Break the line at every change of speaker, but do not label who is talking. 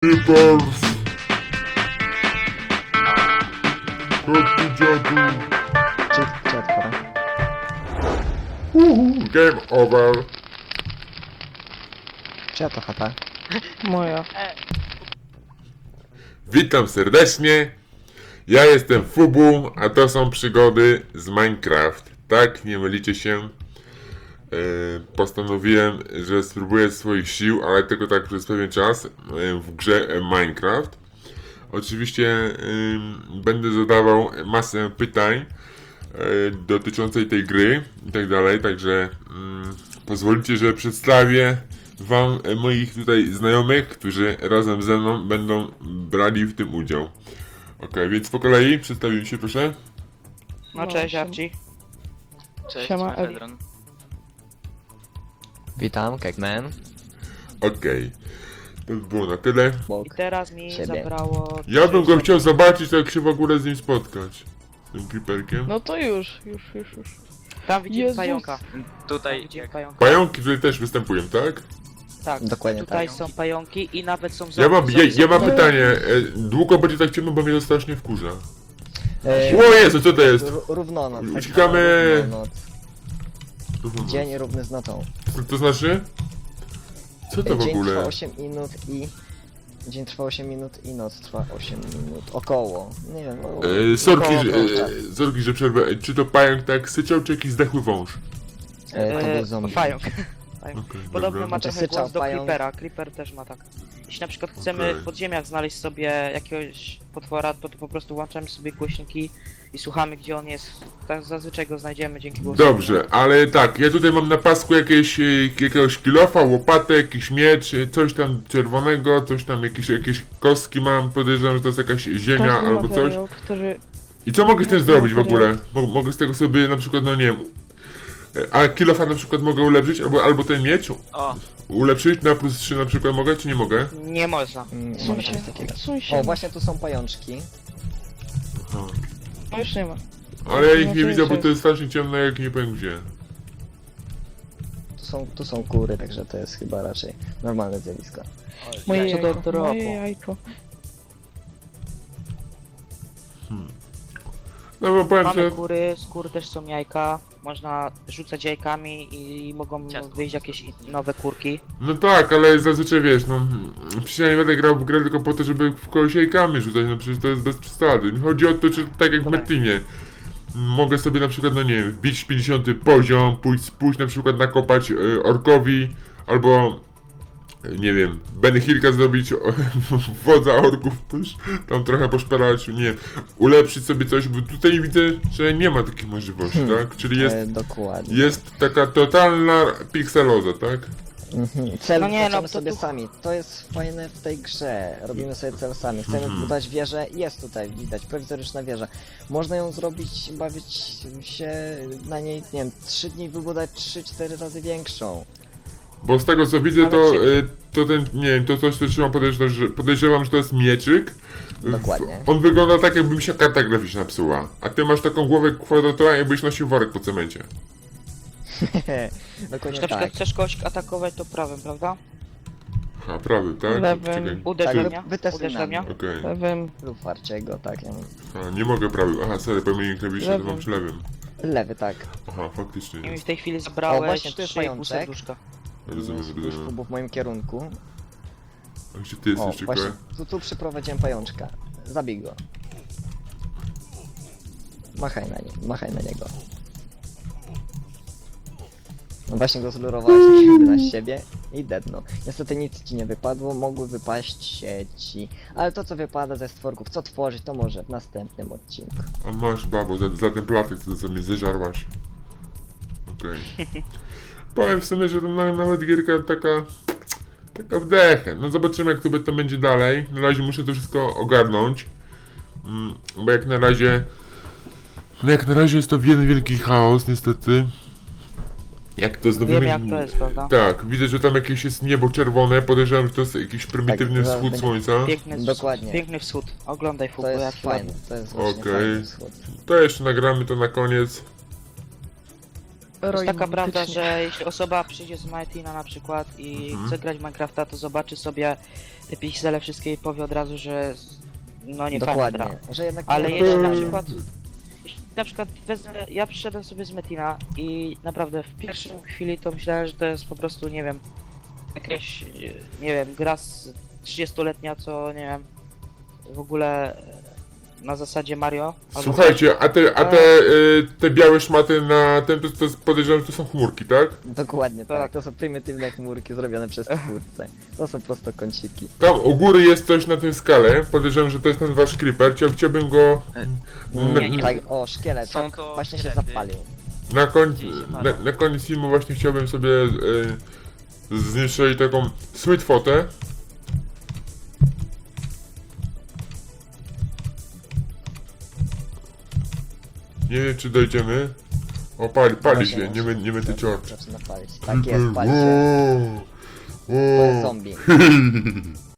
Creepers! Chodź tu, dziadu!
Czy otworzę?
Game over!
Czyja to chata?
Moja.
Witam serdecznie! Ja jestem Fubu, a to są przygody z Minecraft. Tak, nie mylicie się. Postanowiłem, że spróbuję swoich sił, ale tylko tak przez pewien czas w grze Minecraft. Oczywiście będę zadawał masę pytań dotyczącej tej gry i tak dalej, także pozwolicie, że przedstawię wam moich tutaj znajomych, którzy razem ze mną będą brali w tym udział. Ok, więc po kolei przedstawimy się, proszę.
No cześć Archie.
Cześć,
Siema, Eli.
Mefedron.
Witam, Kegman.
Okej, to by było na tyle.
I
Bok.
teraz mi
Siebie.
zabrało...
Ja bym go
30
chciał zobaczyć, jak się w ogóle z nim spotkać. Z tym creeperkiem.
No to już.
Tam widzimy
Jezus.
pająka.
Tutaj,
Widzimy
jak
pająka.
Pająki tutaj też występują, tak?
Tak,
Dokładnie
tutaj
tak.
są pająki i nawet są
Ja mam
zombie.
pytanie. Długo będzie tak ciemno, bo mnie to strasznie wkurza.
E,
O Jezu, co to jest?
Równonoc. tak
Uciekamy.
zwana równonoc. Dzień równy z nocą.
To znaczy? Co to w
Dzień trwa
ogóle?
8 minut i... Dzień trwa 8 minut i noc trwa 8 minut. Około. Nie wiem.
Sorki,
około czasu.
sorki, że przerwę. Czy to pająk tak syczał, czy jakiś zdechły wąż?
To był zombie.
Pająk.
Okej,
Podobno
dobra.
ma trochę
Syczał
głos do
pająk.
Creepera. Creeper też ma tak. Jeśli na przykład chcemy
Okej.
w podziemiach znaleźć sobie jakiegoś potwora, to po prostu włączamy sobie głośniki i słuchamy, gdzie on jest. Tak zazwyczaj go znajdziemy dzięki głosowi.
Dobrze, ale tak, ja tutaj mam na pasku jakiegoś kilofa, łopatę, jakiś miecz, coś tam czerwonego, coś tam, jakieś kostki mam, podejrzewam, że to jest jakaś ziemia
Każdy
albo coś.
materiał, który...
I co mogę z tym zrobić w ogóle? Mogę z tego sobie na przykład, no nie wiem, a kilofa na przykład mogę ulepszyć, albo ten miecz
o,
ulepszyć na plus 3 na przykład mogę, czy nie mogę?
Nie można.
Nie ma czegoś takiego.
Suń się.
O, właśnie tu są pajączki.
Aha.
No już nie ma.
Ale ja ich nie
Znaczy,
widzę, bo
że-
to jest strasznie ciemno, jak nie powiem gdzie.
Tu są kury, także to jest chyba raczej normalne zjawisko.
Moje
Co do
jajko,
dropu.
moje jajko.
No bo powiem,
Mamy
że...
kury, z kur też są jajka. Można rzucać jajkami i mogą
Ciastko.
wyjść jakieś nowe kurki.
No tak, ale zazwyczaj wiesz, no... Przecież ja nie będę grał w grę tylko po to, żeby w kogoś jajkami rzucać, no przecież to jest bez przesady. Chodzi o to, czy tak jak w
Dobra.
Metinie. Mogę sobie na przykład, no nie wiem, wbić 50 poziom, pójść na przykład nakopać orkowi, albo... Nie wiem, Benny Hillka zrobić, wodza orków też, tam trochę poszperać, nie wiem, ulepszyć sobie coś, bo tutaj widzę, że nie ma takiej możliwości, tak? Czyli
Dokładnie.
jest taka totalna pikseloza, tak?
Cel
No nie, no,
wtaczamy
to
sobie
tu-
sami. To jest fajne w tej grze. Robimy sobie cel sami. Chcemy budować wieżę. Jest tutaj, widać, prowizoryczna wieża. Można ją zrobić, bawić się na niej, nie wiem, 3 dni wybudować 3-4 razy większą.
Bo z tego co widzę,
Ale
to,
czy-
to ten, nie wiem, to coś, co trzymam, podejrzewam, że to jest mieczyk.
Dokładnie.
On wygląda tak, jakby mi się karta graficzna psuła. A ty masz taką głowę kwadratową, jakbyś nosił worek po cemencie.
Jeśli
Dokładnie
na przykład
tak.
chcesz kogoś atakować, to prawym, prawda?
A, prawy, tak?
Lewym.
Czekaj.
Uderzenia.
wytestuj na
Uderzenia.
mnie.
Okej.
Lewym.
Lub warciego, tak. Ja mam.
A, nie mogę prawy. Aha, sorry, pomyliłem klawisze, to
Lewym.
mam przy lewym.
Lewy, tak.
Aha, faktycznie.
I mi w tej chwili zabrałeś
O, właśnie, tu jest
3,5
pajączek.
serduszka.
Rozumiem,
Już
rozumiem.
w moim kierunku.
A gdzie ty
O,
jesteś,
właśnie,
czekaj?
tu przyprowadziłem pajączka. Zabij go. Machaj na niego. No właśnie go zlurowałeś na siebie i deadno. Niestety nic ci nie wypadło, mogły wypaść sieci. Ale to co wypada ze stworków, co tworzyć, to może w następnym odcinku.
A masz, babo, za ten platek, co mnie zeżarłaś. Okej. Powiem w sumie, że to nawet gierka taka wdechę. No zobaczymy, jak to będzie dalej. Na razie muszę to wszystko ogarnąć. Bo jak na razie... No jak na razie jest to jeden wielki chaos, niestety. Jak to znowu...
Wiem jak to jest, prawda?
Tak, widzę, że tam jakieś jest niebo czerwone. Podejrzewam, że to jest jakiś prymitywny
Tak,
wschód
będzie-
słońca.
Piękny,
Dokładnie.
wschód. Oglądaj
To
futbol, jak
jest
się
fajne,
ładnie.
to jest właśnie
Okej.
fajny wschód.
To jeszcze nagramy to na koniec.
Jest taka prawda,
mityczni.
że jeśli osoba przyjdzie z Martina na przykład i chce grać w Minecrafta, to zobaczy sobie te piksele wszystkie i powie od razu, że no nie fajna gra.
Dokładnie, że jednak
Ale
nie
jeśli na
podoba.
przykład, wezmę, ja przyszedłem sobie z Metina i naprawdę w pierwszej chwili to myślałem, że to jest po prostu, nie wiem, jakaś, nie wiem, gra z 30-letnia, co, nie wiem, w ogóle na zasadzie Mario. albo
Słuchajcie, te białe szmaty na tym, to podejrzewam, że to są chmurki, tak?
Dokładnie tak.
Tak.
To są prymitywne chmurki zrobione przez twórcę. To są prosto kąciki.
Tam u góry jest coś na tym skale, podejrzewam, że to jest ten wasz creeper, chciałbym go
Nie.
Tak, o, szkielet,
Są
tak,
to
właśnie się
szkielety.
zapalił.
na koniec filmu właśnie chciałbym sobie zniszczyć taką sweet fotę. Nie wiem, czy dojdziemy. O, pali się, nie będę cię oczy.
Zaczyna palić. Tak jest, pali się. To jest zombie.